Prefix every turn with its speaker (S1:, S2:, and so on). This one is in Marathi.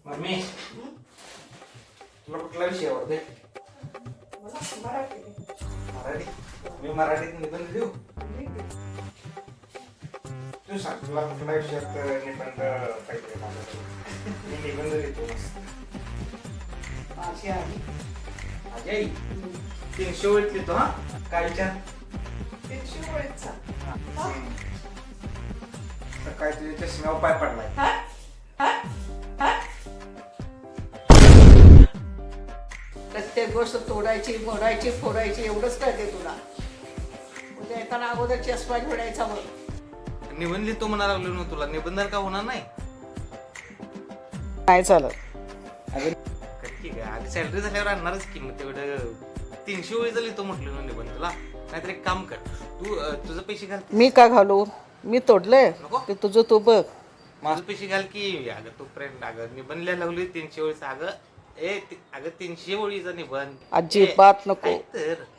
S1: मम्मी तुला कुठला विषय आवडते? मराठी. मी मराठीत निबंध लिहू. तू सांग तुला कुठल्या विषयात निबंध पाहिजे मला. मी निबंध लिहितो मस्त. माझी आई 300 ओळीत लिहितो. हा काय विचार?
S2: 300 ओळीचा.
S1: काय तुझ्या चष्म्यावर पाय पडलाय?
S2: प्रत्येक गोष्ट तोडायची, मोडायची, फोडायची एवढंच कळते तुला. उद्या येताना अगोदर चष्मा घोडायचा मग.
S1: निबंध लिहितो म्हणा लागलो ना तुला. निबंध का होणार नाही?
S2: नाही चालत.
S1: अगं ठीक आहे, आधी सॅलरी झाल्यावर आणणारच की. मग तेवढं 300 ओळीचा लिहितो म्हटलं ना निबंध तुला. नाहीतर एक काम कर, तू तुझं पैसे घाल.
S2: मी का घालू? मी तोडलंय
S1: नको.
S2: ते तुझं तू बघ.
S1: माझं पैसे घाल की. अगं तू फ्रेंड, अगं निबंध लिहायला लागली 300 ओळीचा. अगं अगं 300 ओळीचा निबंध.
S2: अजिबात नको.
S1: तर